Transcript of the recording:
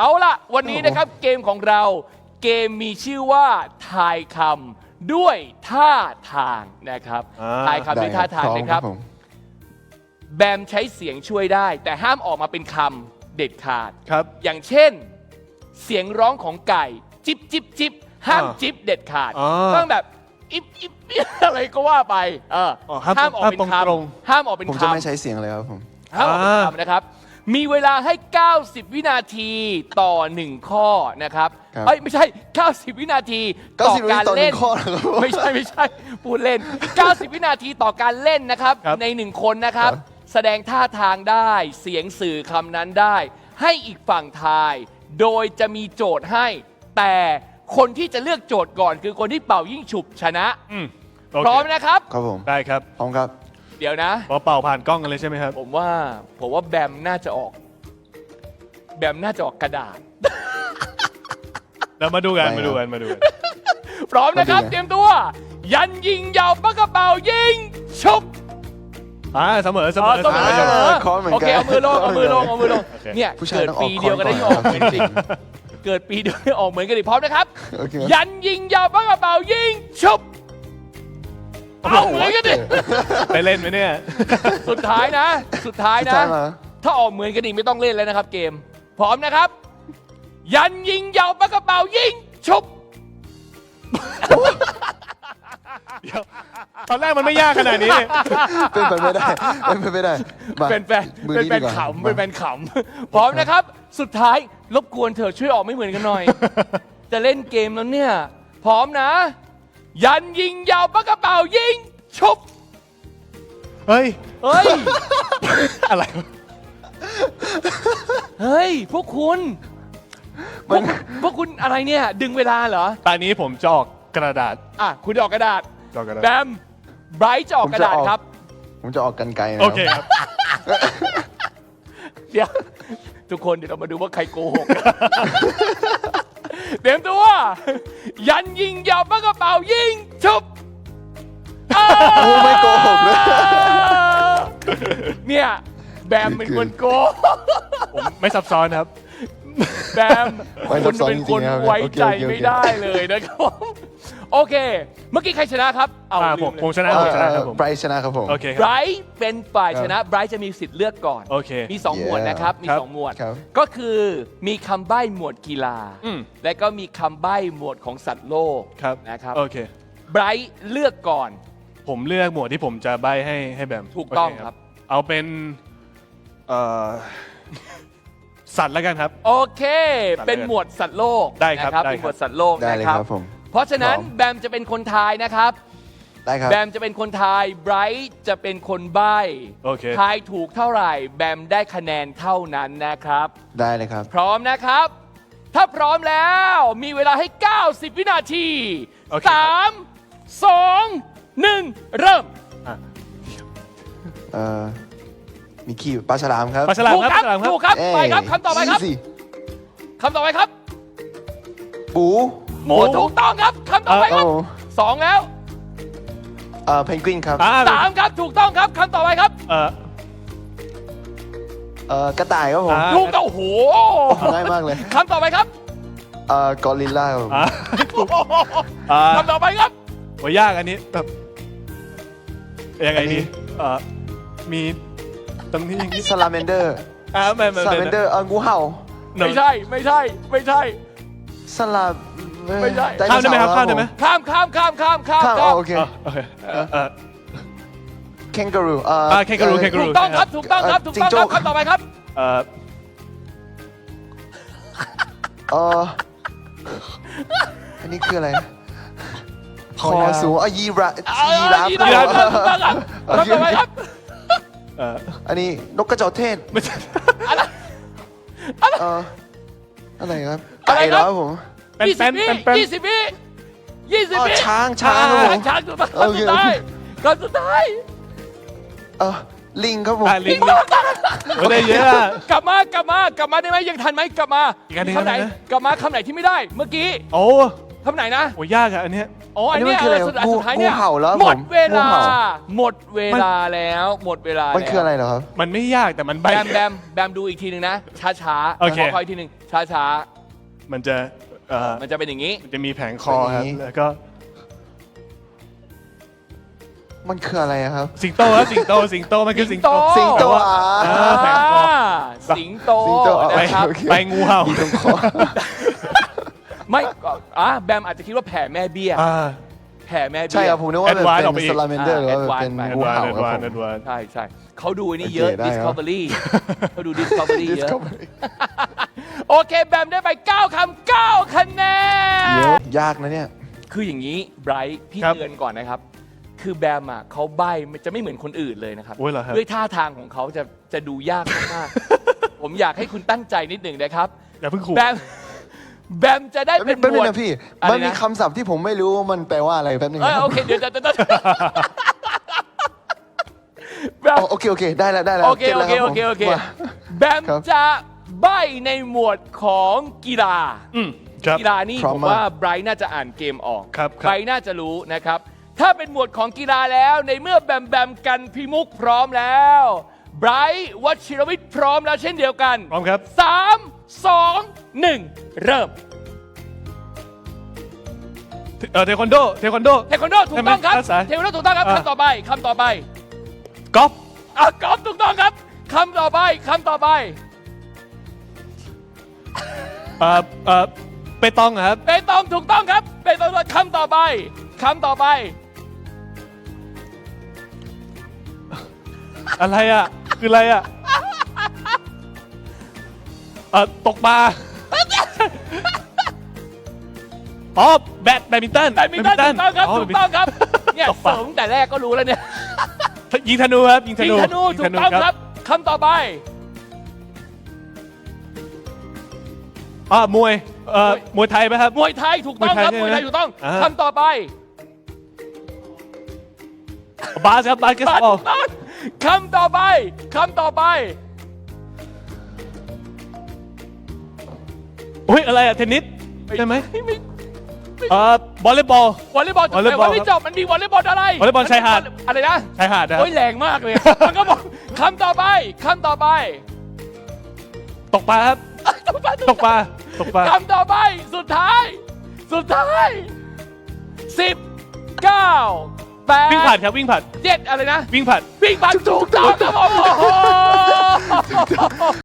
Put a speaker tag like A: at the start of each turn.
A: เอาล่ะ วันนี้นะครับเกมของเราเกมมีชื่อว่าทายคำด้วยท่าทางนะครับทายคำด้วยท่าทางนะครับ แบมใช้เสียงช่วยได้ แต่ห้ามออกมาเป็นคำเด็ดขาด
B: ครับ
A: อย่างเช่น เสียงร้องของไก่ จิบจิบจิบห้ามจิบเด็ดขาด ต้องแบบอิบอิบอะไรก็ว่าไปห้ามออกเป็นคำห้ามออกเป็นคำ
C: ผมจะไม่ใช้เสียงเลยครับผม
A: ห้ามออกเป็นคำนะครับ มีเวลาให้ 90 วินาทีต่อ 1 ข้อนะครับ
C: ครับ
A: เอ้ยไม่ใช่ 90 วินาทีต่อ
C: 90
A: การเล่น
C: วินาทีต่อ1ข้อเหรอครับ
A: ไม่ใช่พูดเล่น 90 วินาทีต่อการเล่นนะครับใน 1 คนนะครับ แสดงท่าทางได้เสียงสื่อคำนั้นได้ ให้อีกฝั่งทาย โดยจะมีโจทย์ให้ แต่คนที่จะเลือกโจทย์ก่อนคือคนที่เป่ายิ่งฉุบชนะ
B: โเค
A: พร้อมนะครับ
C: ครับผม
B: ได้ครับ
C: พร้อมครับ
A: เดี๋ยวนะ
B: พอเป่าผ่านกล้องกันเลยใช่ไหมครับ
A: ผมว่าแบมน่าจะออกกระดาษ
B: เรามาดูกัน
C: ได้ครับ
B: มาดูกัน
A: พร้อมนะครับ
C: มาดูกัน
A: เตรียมตัว ยันยิงยาวปากกระเป๋ายิงชุบ
B: เสมอ
A: เสมอ
C: คอร์สเหมือนกัน
A: โอเคเอามือลง
C: โอเค
A: เนี่ย
C: ผู้ชาย
A: เกิด
C: ต้องออก
A: ปีเดียวกันได้
C: คอร์ส
A: ออกเหมือนกันเกิดปีเดียวได้ออกเหมือนกันดิพร้อมนะครับ
C: โอเค
A: ยันยิงยาวปากกระเป๋ายิงชุบเอาเหมือนกันดิ
B: ไปเล่นไหมเนี่ย
A: สุดท้ายนะ
C: สุดท้ายมา
A: ถ้าออกเหมือนกันอีกไม่ต้องเล่นแล้วนะครับเกม พร้อมนะครับ ยันยิงยาวปากกระเป๋ายิงชุบ
B: เดี๋ยว ตอนแรกมันไม่ยากขนาดนี้
C: เป็นไปไม่ได้เป็นไปไม่ได้มา
A: เป็นแฟน
C: มือ
A: เป็น
C: นี้
A: แฟ
C: ดี
A: น
C: กว่า
A: ขำเป็นแฟนขำพร้อมนะครับ สุดท้ายรบกวนเถอะช่วยออกไม่เหมือนกันหน่อย จะเล่นเกมแล้วเนี่ย พร้อมนะ ยันยิงยาวปากกระเป๋ายิงชุบ
B: เฮ้ย
A: เฮ้ย
B: อะไร
A: เฮ้ย พวกคุณพวกคุณอะไรเนี่ย ดึงเวลาเหรอ
B: ตอนนี้ผมจะออกกระดาษ
A: อ่ะ คุณออกกระดาษ
B: ออกกระดาษ
A: แบมไบรท์จะออกกระดาษครับ
C: ผมจะออกกันไกลนะ
B: โอเคครับ
A: เดี๋ยว ทุกคนเดี๋ยวเรามาดูว่าใครโกหก เตรียมตัว ยันยิงยาวปากกระเป๋ายิงชุบ
C: โอ้ไม่โกหกเลย
A: เนี่ย แบมเป็นคนโกหก
B: ผมไม่ซับซ้อนครับ
A: แบมคุณเป็นคนไว้ใจไม่ได้เลยนะครับผมโอเค เมื่อกี้ใครชนะครับ เอาลืมเลย
B: ผมชนะผมชนะครับผม
C: ไบรท์ชนะครับผม
B: โอเคค
A: ไบร
B: รับ
A: ท์เป็นฝ่ายชนะไบรท์จะมีสิทธิ์เลือกก่อน
B: โอเค
A: มี 2 หมวดนะครับ มี
B: ครับ
A: 2 หมวด
C: ครับ
A: ก็คือมีคำใบ้หมวดกีฬา
B: อืม
A: และก็มีคำใบ้หมวดของสัตว์โลก
B: ครับ
A: นะครับ
B: โอเค
A: ไบรท์เลือกก่อน
B: ผมเลือกหมวดที่ผมจะใบให้แบม
A: ถูกต้อง
B: โเ
A: ครับ
B: เอาเป็นเอ่อสัตว์แล้วกันครับ
A: โอเค
B: สัตว์
A: เป็นหมวดสัตว์โลก
B: ได้ครับ
A: นะ
B: ได้ครับ
A: เป็นหมวดสัตว์โลก
C: ได้
A: นะ
C: เลย
A: ค
C: ค
A: รั
C: รับ บผม
A: เพราะฉะนั้น
C: พร้อม
A: แบมจะเป็นคนทายนะครับ
C: ได้ครับ
A: แบมจะเป็นคนทายไบรท์จะเป็นคนใบ้
B: โอเค
A: ทายถูกเท่าไหร่ แบมได้คะแนนเท่านั้นนะครับ
C: ได้เลยครับ
A: พร้อมนะครับ ถ้าพร้อมแล้วมีเวลาให้ 90 วินาที
B: โอเคครับ
A: 3 2 1 เริ่ม
C: มีขี้ปลาฉลามครับ
B: ปลาฉลาม
A: ถูก
B: ครับ
A: ครับ
B: ปลาฉลามครับ
A: ถูกครับ
C: เอ้ย
A: ไปครับคำต่อไปครับ
C: easy
A: คำต่อไปครับ
C: ปู
A: หมูถูกต้องครับคำต่อไปครับ
C: โอ้
A: 2 แล้ว
C: เพนกวินครับ
A: 3 ครับถูกต้องครับคำต่อไปครับ
C: กระต่ายครับผม
A: ถูกต้องโอ้โห
C: ง่ายมากเลย
A: คำต่อไปครับ
C: กอริลลาครับผม
A: คำต่อไปครับ
B: โหยากอันนี้แบบยังไงดีมีตรงนี้อย่างนี้
C: ซาลาเมนเดอร์
B: ไม่
C: ซาลาเมนเดอร์งูเห่า
A: ไม่ใช่ไม่ใช่ไม่ใช่
C: สลา
A: ไม่ใช่
C: ดโน
B: ข้ามได้ไหมครับ
C: เส
B: ข้ามได้ไหม
A: ข้ามข้ามข้ามข้ามข้าม
C: ข้าม
A: ข้าม
C: โอเค
B: โอเค
C: แคนการู
B: แคนการู
A: ถูกต้องครับถูกต้องครับถูกต้องครับคำต่อไปครับ
C: อันนี้คืออะไรคอสูงยีราฟ
A: ยีราฟถูกต้องครับคำต่อไปครับ
C: อันนี้นกกระจอกเทศ
B: ไม่ใช่
C: อะไรครับ
A: อะไร
C: ไก่
A: ครับ
C: แล้วผม
B: เป็น
A: 20 วิ20 วิ
C: ช้างครับผม
A: ช้างถูกต้องคำสุดท้ายคำสุดท้าย
C: ลิงครับผม
B: ลิงไม่ได้เยอะ
A: กลับมาได้ไหมยังทันไหมกลับมา
B: อีกอันหนึ่ง
A: คำไหน
B: นะ
A: กลับมาคำไหนที่ไม่ได้เมื่อกี้
B: โอ้
A: คำไหนนะ
B: โหยากอะอันเนี้ย
A: อ๋ออันเนี้ย
C: อันนี้มันคืออะไร
A: สุดท้ายเนี่ย
C: งูเห่าแล้ว
A: หมดเวลา
C: งูเห่า
A: หมดเวลาแล้วหมดเวลา
C: มันคืออะไรเหรอครับ
B: มันไม่ยากแต่มันใบ
A: แบมดูอีกทีหนึ่งนะช้าๆ
B: โอเค
A: ขออีกทีหนึ่งช้า
B: มันจะ
A: ๆมันจะเป็นอย่างนี้
B: มันจะมีแผงคอครับแล้วก็
C: มันคืออะไรอะครับ
B: สิงโตครับสิงโตมันคือสิงโต
C: สิงโต
B: แผงคอ
A: สิงโต
C: สิงโต
A: นะครับ
C: โอเค
B: ไปงูเห่า
C: มีตรงคอ
A: ไม่แบมอาจจะคิดว่าแผ่แม่เบี้ย แผ่แม่เบี้ย
C: ใช่ครับผมนึกว่าแบบ
B: Advance ออกไป
C: เป็น
B: อีก
C: สลาเมนเดอร์หรือว่าแบบ
A: Advance
C: เป็น
A: ไป
C: งูเห่าครับผม
A: ใช่ใช่เขาดูนี่เยอะ
C: โอเคได้ครับ
A: Discovery เขาดู Discovery เยอะ
C: Discovery
A: โอเคแบมได้ไป 9 คำ 9 คะแนน
C: เยอะยากนะเนี่ย
A: คืออย่างนี้ไบรท์พี่
B: ครับ
A: เตือนก่อนนะครับ คือแบมเขาใบ้มันจะไม่เหมือนคนอื่นเลยนะครับ
B: โอ้ยเหรอครับ
A: ด้วยท่าทางของเขาจะดูยากมากๆ ผมอยากให้คุณตั้งใจนิดหนึ่งนะครับ
B: อย่าเพิ่งขู่
A: แบมจะได้เป็นห
C: แป๊บ
A: ม
C: นึ
A: ว
C: ง
A: ด
C: นะพี่
A: อะไรนะ
C: มันมีคำศัพท์ที่ผมไม่รู้ว่ามันแปลว่าอะไรแป๊บนึงนะ
A: โอเคเดี๋ยวแบม
C: อ๋อโอเคได้แล้ว
A: โอเค
C: ก็ตแล้วรับผม
A: โอเค
C: ว่า
A: แบม
C: ครับ
A: จะใบ้ในหมวดของกีฬา
B: ครับ
A: กีฬานี่
C: พร้
A: ผ
C: อม
A: ม
C: มาก
A: ว่าไบรท์น่าจะอ่านเกมออก
B: ครับ
A: ไบรท์น่าจะรู้นะครับ ถ้าเป็นหมวดของกีฬาแล้วในเมื่อแบมกันพิมุกพร้อมแล้วไบรท์วชิรวิทย์พร้อมแล้วเช่นเดียวกัน
B: พร้อมครับ
A: 3 2 1 เริ่ม
B: เทควันโด
A: เทควันโดถูกต้องครับ
B: ใช่ไหมภาษา
A: เทควันโดถูกต้องครับ
B: อ่ะ
A: คำต่อไปคำต่อไป
B: กอล์ฟ
A: กอล์ฟถูกต้องครับคำต่อไปคำต่อไป
B: เปตองครับ
A: เปตองถูกต้องครับเปตองคำต่อไปคำต่อไป
B: อะไรอ่ะ คืออะไรอ่ะตกปลาอ๋อแบดมินตัน
A: แบดมินตันถูกต้องครับ
B: อ๋อ
A: ถูกต้องครับเนี่ย
B: ตกปลา
A: เสริมแต่แรกก็รู้แล้วเนี่ย
B: ยิงธนูครับยิงธ
A: ยิง
B: นู
A: ธนูถูกต้องครับคำต่อไป
B: มวยมวยไทยไหมครับ
A: มวยไทยถูกต้องครับม
B: ม
A: ว
B: วย ย
A: ไท
B: ไท
A: ย
B: ย
A: ถูกต้อง
B: อ่า
A: คำต่อไป
B: บาสครับบาสเกต
A: บาส
B: บอล
A: ถูกต้องคำต่อไปคำต่อไป
B: อุ้ยอะไรอ่ะเทนนิสใช่ไหม
A: ไม่
B: วอลเลย์บอล
A: วอลเลย์บอล
B: วอลเลย์
A: แต่
B: บอล
A: ว่าไม่จบมันมีวอลเลย์บอลอะไร
B: วอลเลย์บอลชายหาด
A: อะไรนะ
B: ชายหาดนะครับ
A: โอ้ยแรงมากเลย มันก็บอกคำต่อไปคำต่อไป
B: ตกปลาครับ ตกปลาตกปลา
A: คำต่อไปสุดท้าย 10 9 8
B: วิ่งผ่านครับวิ่งผ่าน
A: 7อะไรนะ
B: วิ่งผ่าน
A: วิ่งผ่านถูกต้องครับผมโอ้โห